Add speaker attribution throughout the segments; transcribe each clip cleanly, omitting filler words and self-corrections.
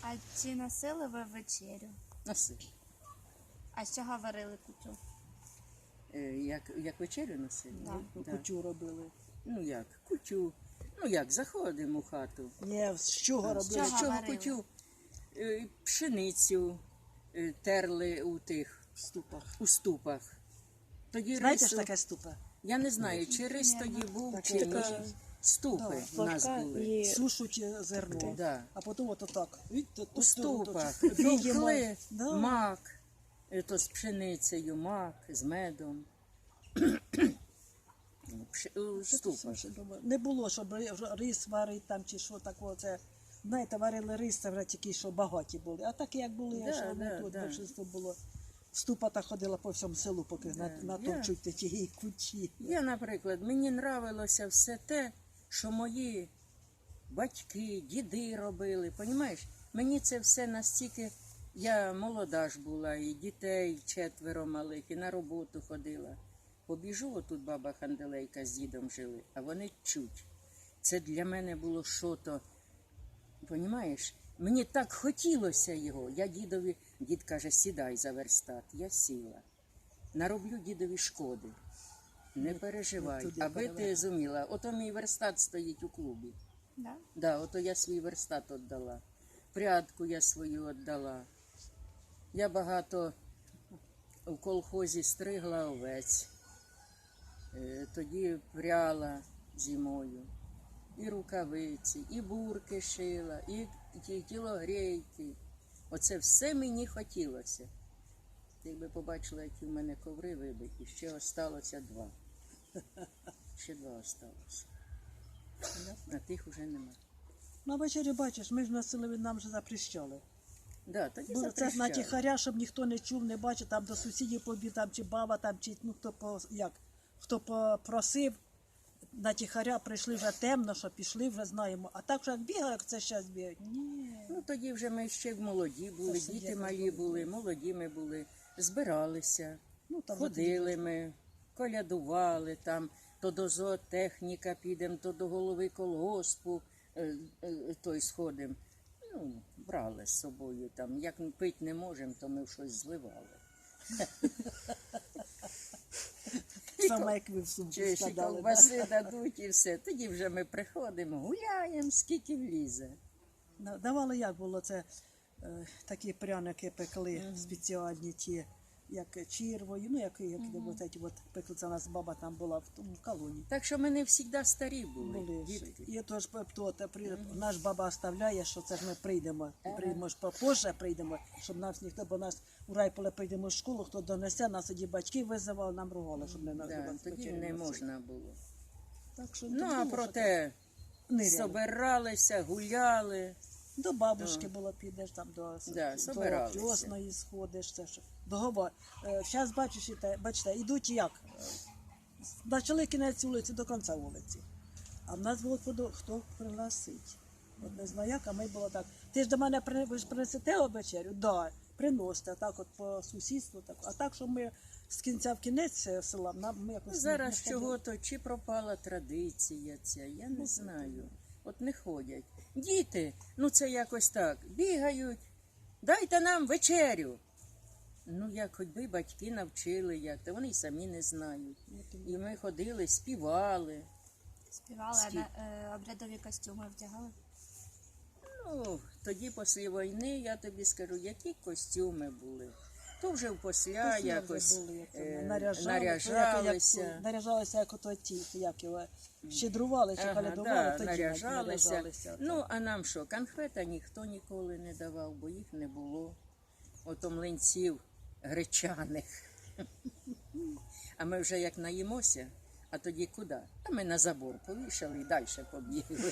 Speaker 1: А чи носили ви вечерю?
Speaker 2: Носили.
Speaker 1: А з чого варили кутю?
Speaker 2: Як вечерю носили?
Speaker 1: Да.
Speaker 2: Да.
Speaker 3: Кутю робили.
Speaker 2: Ну як, кутю. Ну як, заходимо в хату.
Speaker 3: Ні, з чого робили?
Speaker 1: чого?
Speaker 2: З чого
Speaker 1: варили?
Speaker 2: кутю? Пшеницю терли
Speaker 3: В ступах.
Speaker 2: у ступах. Тоді
Speaker 3: Знаєте
Speaker 2: рису,
Speaker 3: ж таке ступа?
Speaker 2: я не знаю, чи рис тоді був,
Speaker 3: Так,
Speaker 2: чи
Speaker 3: така-
Speaker 2: ні. Ступи
Speaker 3: Да,
Speaker 2: в нас були.
Speaker 4: І
Speaker 3: Сушуть зерно,
Speaker 2: Да.
Speaker 3: а потім от так. Видите,
Speaker 2: У ступах
Speaker 3: віємо.
Speaker 2: товкли
Speaker 3: Да.
Speaker 2: мак, то з пшеницею, мак, з медом. У ступах.
Speaker 3: Не було, щоб рис варити там чи що такого. Це, знаєте, варили рис, це вже тільки, що багаті були. А так як були,
Speaker 2: Да,
Speaker 3: що вони
Speaker 2: да,
Speaker 3: тут,
Speaker 2: да.
Speaker 3: більшість було. Ступа та ходила по всьому селу, поки натовчуть ті кучі.
Speaker 2: Я, наприклад, мені нравилося все те, що мої батьки, діди робили. Понімаєш? Мені це все настільки, я молода ж була, і дітей 4 малих, і на роботу ходила. Побіжу, отут баба Ханделейка з дідом жили, а вони чуть. Це для мене було що-то, понімаєш? Мені так хотілося його. Я дідові, дід каже, сідай за верстат. Я сіла. Нароблю дідові шкоди. Не переживай,
Speaker 3: туди
Speaker 2: аби ти
Speaker 3: перевели.
Speaker 2: зуміла. Ото мій верстат стоїть у клубі.
Speaker 1: Да?
Speaker 2: Да, ото я свій верстат віддала. Прядку я свою віддала. Я багато в колхозі стригла овець. Тоді пряла зимою. І рукавиці, і бурки шила, і тілогрейки. Оце все мені хотілося. Ти би побачила, які в мене коври вибиті. Ще осталося 2. Ще 2 осталося. А тих уже нема.
Speaker 3: На вечері, бачиш, ми ж носили, нам же запрещали.
Speaker 2: Да, тоді
Speaker 3: Бо це ж на
Speaker 2: запрещали.
Speaker 3: тихаря, щоб ніхто не чув, не бачив, там до сусідів побіг, там чи баба, там чи ну хто попросив, на тихаря прийшли вже темно, що пішли, вже знаємо. А так, що як бігали, як це зараз бігають, ні.
Speaker 2: Ну тоді вже ми ще молоді були,
Speaker 3: Це ж
Speaker 2: діти
Speaker 3: якось
Speaker 2: малі
Speaker 3: було.
Speaker 2: були, молоді ми були, збиралися,
Speaker 3: Ну, там
Speaker 2: ходили ми, колядували там, то до зоотехніка підемо, то до голови колгоспу той сходимо. Ну, брали з собою там. Як пити не можемо, то ми в щось зливали.
Speaker 3: Саме як ви в сумку
Speaker 2: Чи ще
Speaker 3: складали.
Speaker 2: ковбаси дадуть і все. Тоді вже ми приходимо, гуляємо, скільки влізе.
Speaker 3: Давали як було це, такі пряники пекли спеціальні ті, як червою, ну як от пекли, це у нас баба там була в тому колоні.
Speaker 2: Так що ми не завжди старі були,
Speaker 3: Були.
Speaker 2: дітки.
Speaker 3: І то ж наш баба оставляє, що це ж ми прийдемо ж попозже прийдемо, щоб нас ніхто, бо нас у райполе прийдемо в школу, хто донесе, нас тоді батьки визивали, нам ругали, щоб не нас
Speaker 2: Да, тоді
Speaker 3: вечерю
Speaker 2: не
Speaker 3: носили.
Speaker 2: можна було.
Speaker 3: Так що
Speaker 2: Ну,
Speaker 3: то
Speaker 2: а
Speaker 3: було,
Speaker 2: проте
Speaker 3: що ниряли.
Speaker 2: собиралися, гуляли.
Speaker 3: До бабушки було, підеш там до
Speaker 2: собиралися.
Speaker 3: Тьосної сходиш, це що. Зараз бачиш, бачите, йдуть як? Почали кінець вулиці до кінця вулиці. А в нас було хто пригласить. От не знаю як, а ми було так. Ти ж до мене ви ж принесете вечерю? Да, приносите, так от по сусідству. Так. А так, що ми з кінця в кінець села, ми якось
Speaker 2: Зараз
Speaker 3: не ходили.
Speaker 2: чого-то, чи пропала традиція ця, я не знаю. От не ходять. Діти, ну це якось так, бігають, дайте нам вечерю. Ну, як хоч би батьки навчили, як, то вони й самі не знають. І ми ходили, співали.
Speaker 1: Співали, а обрядові костюми вдягали?
Speaker 2: Ну, тоді після війни, я тобі скажу, які костюми були. То вже впосля
Speaker 3: Після
Speaker 2: якось
Speaker 3: вже були, як
Speaker 2: наряжалися.
Speaker 3: Наряжалися, як ото ті, як його, щедрували, чи колядували, тоді
Speaker 2: наряжалися. Ну, а нам що, конфета ніхто ніколи не давав, бо їх не було. Ото млинців гречаних. А ми вже як наїмося, а тоді куди? А ми на забор повішали і далі побігли.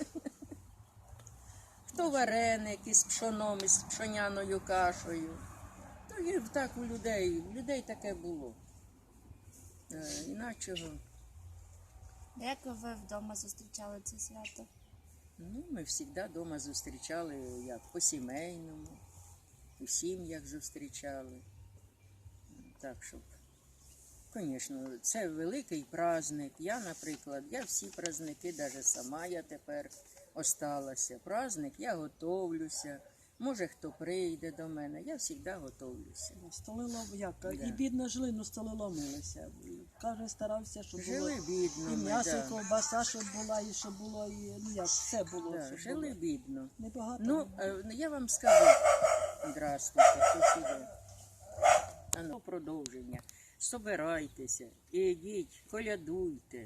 Speaker 2: Хто вареники з пшоном, із пшоняною кашею. То і так у людей таке було. Іначого.
Speaker 1: Як ви вдома зустрічали це свято?
Speaker 2: Ну, ми завжди вдома зустрічали, як по-сімейному, у сім'ях зустрічали. Так, щоб, звісно, це великий праздник. Я, наприклад, я всі праздники, навіть сама я тепер осталася. Праздник, я готовлюся, Може, хто прийде до мене, я завжди готовлюся.
Speaker 3: Столи як,
Speaker 2: Да.
Speaker 3: і бідно жили, ну столи ломилися. Каже, старався, щоб було
Speaker 2: Жили бідно
Speaker 3: і
Speaker 2: ми,
Speaker 3: м'ясо, і
Speaker 2: да.
Speaker 3: ковбаса, щоб була, і щоб було, і ну як, все було.
Speaker 2: Да,
Speaker 3: щоб
Speaker 2: жили
Speaker 3: було.
Speaker 2: бідно.
Speaker 3: Небагато.
Speaker 2: Ну, я вам скажу, здравствуйте, хтось іде. А ну, продовження. Собирайтеся, ідіть, колядуйте.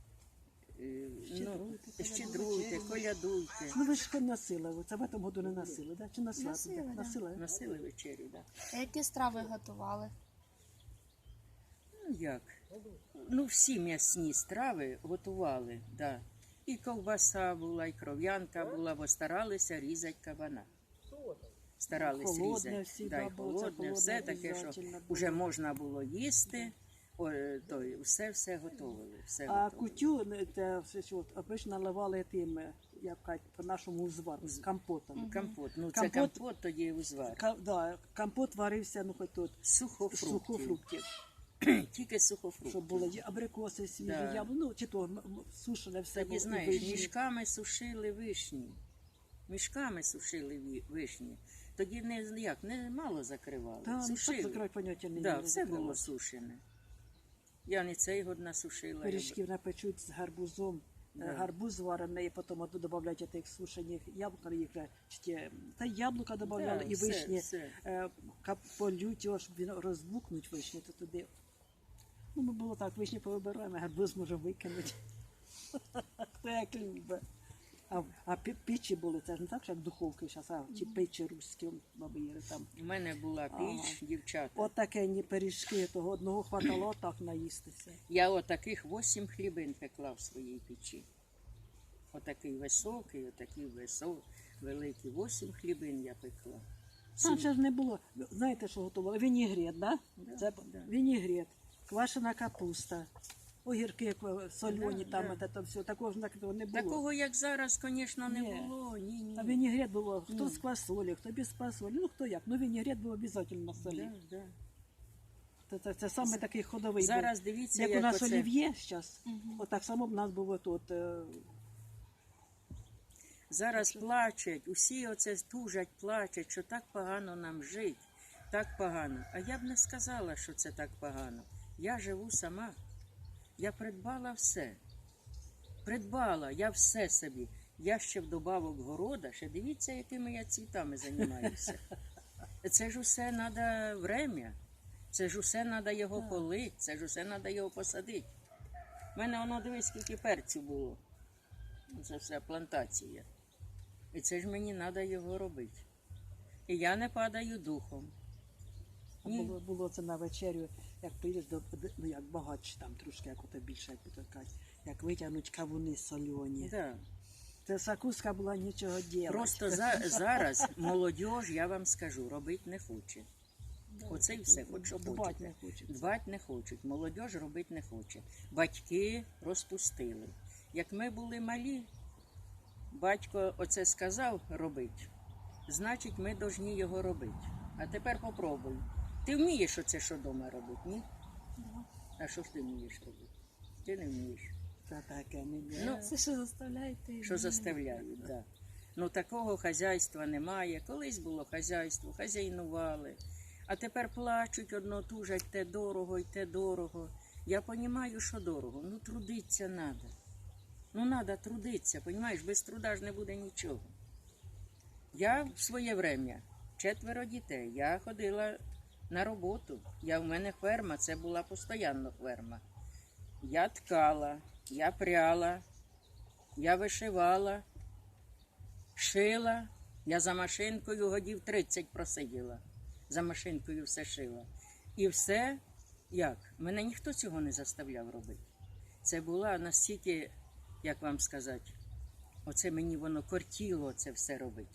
Speaker 2: Щедруйте, колядуйте.
Speaker 3: Ну ви ж хоч носили, це в цьому году не носили, да? Чи носили?
Speaker 1: Носили, да.
Speaker 3: Носили?
Speaker 2: Носили вечерю, так.
Speaker 1: А які страви готували?
Speaker 2: Ну як? Ну, всі м'ясні страви готували, да. І ковбаса була, і кров'янка була, бо старалися різати кабана. Старались
Speaker 3: Холодне
Speaker 2: різати.
Speaker 3: всі,
Speaker 2: Да, і
Speaker 3: да, бо це
Speaker 2: холодне,
Speaker 3: холодне
Speaker 2: все таке, що
Speaker 3: обов'язательно було.
Speaker 2: вже можна було їсти. Все готовили. Все
Speaker 3: А
Speaker 2: готовили.
Speaker 3: кутю, це все, що, обично наливали тим, як кажуть, по-нашому узвар, з компотом.
Speaker 2: Компот. Ну, це
Speaker 3: Компот-
Speaker 2: компот, тоді узвар.
Speaker 3: Да, компот варився, ну хоч тут,
Speaker 2: Сухофруктів.
Speaker 3: сухофруктів.
Speaker 2: Тільки сухофруктів.
Speaker 3: Щоб були і абрикоси свіжі,
Speaker 2: Да.
Speaker 3: ну, чи то сушене все
Speaker 2: Тоді,
Speaker 3: було, і
Speaker 2: знаєш,
Speaker 3: вишні.
Speaker 2: мішками сушили вишні. Мішками сушили вишні. Тоді не мало закривали.
Speaker 3: Та, ну, так
Speaker 2: сушили.
Speaker 3: закривати поняття не
Speaker 2: Да,
Speaker 3: мали,
Speaker 2: все було
Speaker 3: закривати.
Speaker 2: сушене. Я не цей год насушила.
Speaker 3: Пиріжків напечуть з гарбузом.
Speaker 2: Да.
Speaker 3: Гарбуз зварений, і потім додають тих сушених яблук, їх вже та яблука додавали, і
Speaker 2: все,
Speaker 3: вишні.
Speaker 2: все.
Speaker 3: Полють його, щоб він розбукнуть вишні, то туди. Ну, ми було так, вишні повибираємо, гарбуз може викинути. Хто як любить. А печі були, це ж не так, що як духовки зараз, а чи печі руські, бабири там.
Speaker 2: У мене була піч, дівчата.
Speaker 3: От таке ні пиріжки, того одного хватало так наїстися.
Speaker 2: Я отаких 8 хлібин пекла в своїй печі. Отакий високий, великий. 8 хлібин я пекла.
Speaker 3: Там ще ж не було. Знаєте, що готували? Вінігрет, да?
Speaker 2: Да,
Speaker 3: Це
Speaker 2: да.
Speaker 3: вінігрет, квашена капуста, огірки солені,
Speaker 2: Да,
Speaker 3: там
Speaker 2: да.
Speaker 3: це все. Такого ж не було.
Speaker 2: Такого, як зараз, звісно, не
Speaker 3: Ні.
Speaker 2: було. Ні.
Speaker 3: А вінігрет було, хто з квасолі, хто без квасолі, ну хто як. Ну вінігрет був обов'язково на солі.
Speaker 2: Да, да.
Speaker 3: Це саме такий ходовий.
Speaker 2: Зараз
Speaker 3: був.
Speaker 2: дивіться,
Speaker 3: Як у
Speaker 2: як
Speaker 3: нас
Speaker 2: оце...
Speaker 3: олів'є зараз, отак само б у нас було тут.
Speaker 2: Зараз плачуть, усі оце тужать, плачуть, що так погано нам жить, так погано. А я б не сказала, що це так погано. Я живу сама. Я придбала все. Придбала, я все собі. Я ще вдобавок города, ще дивіться, якими я цвітами займаюся. Це ж усе треба время. Це ж усе треба його полити, це ж усе треба його посадити. У мене воно, дивись, скільки перцю було. Це все плантація. І це ж мені треба його робити. І я не падаю духом. Ні.
Speaker 3: Було це на вечерю, як приїдеш ну як багатше там трошки, як ото більше, як то кажуть, як витягнуть кавуни солені.
Speaker 2: Да.
Speaker 3: Це закуска була нічого діла.
Speaker 2: Просто зараз молодь, я вам скажу, робити не хоче. Оце і все, хоч що
Speaker 3: Дбать
Speaker 2: хочете.
Speaker 3: не хочуть.
Speaker 2: Дбати не хочуть, молодь робити не хоче. Батьки розпустили. Як ми були малі, батько оце сказав робити, значить ми повинні його робити. А тепер попробуй. Ти вмієш оце, що вдома робити, ні?
Speaker 1: Да.
Speaker 2: А що ж ти вмієш робити? Ти не вмієш.
Speaker 3: Це таке не є.
Speaker 2: Ну,
Speaker 1: Все, що заставляєте.
Speaker 2: що заставляють, да. Ну такого хазяйства немає. Колись було хазяйство, хазяйнували. А тепер плачуть, одно тужать, те дорого і те дорого. Я розумію, що дорого. Ну трудиться треба. Ну треба трудитися, розумієш, без труда ж не буде нічого. Я в своє время 4 дітей, я ходила на роботу. У мене ферма, це була постійно ферма. Я ткала, я пряла, я вишивала, шила. Я за машинкою годів 30 просиділа. За машинкою все шила. І все, як? Мене ніхто цього не заставляв робити. Це була настільки, як вам сказати, оце мені воно кортіло це все робити.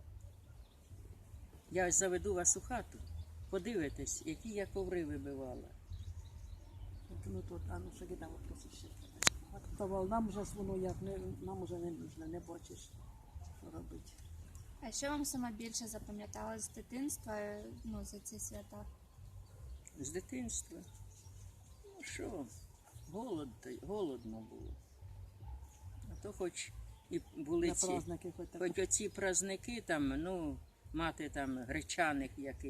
Speaker 2: Я ось заведу вас у хату, подивитесь, які я коври вибивала.
Speaker 3: Ну тут, а ну що там вопроси ще. Актував, нам вже воно як, нам вже не нужно, не бачиш, що робити.
Speaker 1: А що вам саме більше запам'яталось з дитинства, ну, за ці свята?
Speaker 2: З дитинства. Ну що, голодно було. А то хоч і були
Speaker 3: На
Speaker 2: ці,
Speaker 3: праздники хоч так.
Speaker 2: хоч оці праздники там, ну, мати там гречаних яких.